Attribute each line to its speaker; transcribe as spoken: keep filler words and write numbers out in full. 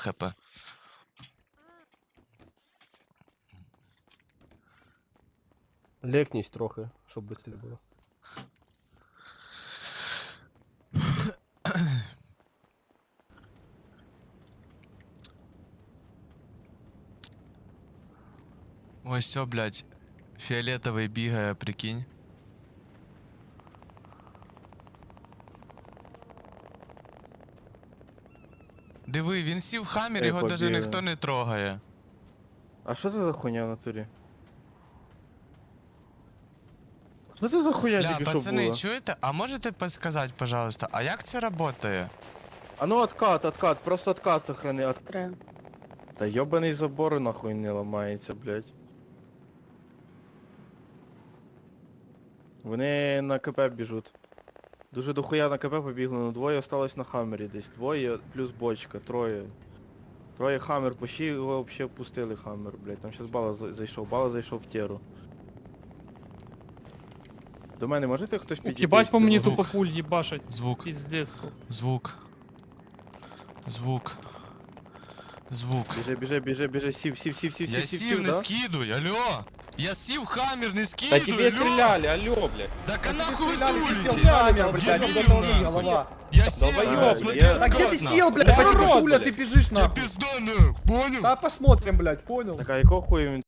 Speaker 1: хп.
Speaker 2: Лекнись трохи, щоб швидше було.
Speaker 1: Ось все, блядь. Фіолетовий бігає, прикинь. Диви, він сів в хаммер,
Speaker 3: Ей,
Speaker 1: його даже
Speaker 3: побігли.
Speaker 1: ніхто не трогає.
Speaker 3: А що це за хуйня в натурі? Що це за хуйня
Speaker 1: Бля,
Speaker 3: тільки що
Speaker 1: пацани,
Speaker 3: була?
Speaker 1: чуєте? А можете підсказати, пожалуйста, а як це працює?
Speaker 3: А ну откат, откат, просто откат сохрани. От...
Speaker 4: Треба.
Speaker 3: Та йобаний забор нахуй не ламається, блядь. Вони на КП біжуть. Дуже дохуя на КП побігли, ну двоє осталось на хаммері десь. Двоє плюс бочка, троє. Троє хаммер, почти його взагалі пустили хаммер, блядь. Там щас бала за- зайшов, бала зайшов в теру. До мене можете хтось підійти?
Speaker 5: Ебать по мені
Speaker 1: Звук.
Speaker 5: тупо пуль їбашать.
Speaker 1: Звук,
Speaker 5: Пиздец.
Speaker 1: звук. Звук. Звук.
Speaker 3: Біжи, біжи, біжи, біжи, сів, сів, сів, сів,
Speaker 1: Я
Speaker 3: сів,
Speaker 1: сів,
Speaker 3: сів,
Speaker 1: не
Speaker 3: да?
Speaker 1: скидуй, алло! Я сів в хаммер, не
Speaker 6: Да
Speaker 1: скидуй,
Speaker 6: тебе
Speaker 1: алло!
Speaker 6: стреляли, алло, блядь.
Speaker 1: Так а нахуй вы
Speaker 6: стреляли,
Speaker 1: дулите?
Speaker 6: ты сел в камеру, блядь,
Speaker 1: Дебил,
Speaker 6: куда
Speaker 1: нахуй.
Speaker 6: голова.
Speaker 1: Я сел,
Speaker 6: Долбоёб,
Speaker 1: смотри,
Speaker 3: я-
Speaker 6: Да где ты
Speaker 1: аккуратно.
Speaker 6: сел, блядь, по тебе
Speaker 1: Урод,
Speaker 6: пуля,
Speaker 1: блядь.
Speaker 6: ты бежишь
Speaker 1: Тебе
Speaker 6: нахуй.
Speaker 1: пизда, нахуй, понял?
Speaker 6: Да посмотрим, блядь, понял?
Speaker 3: Так а якого хуя він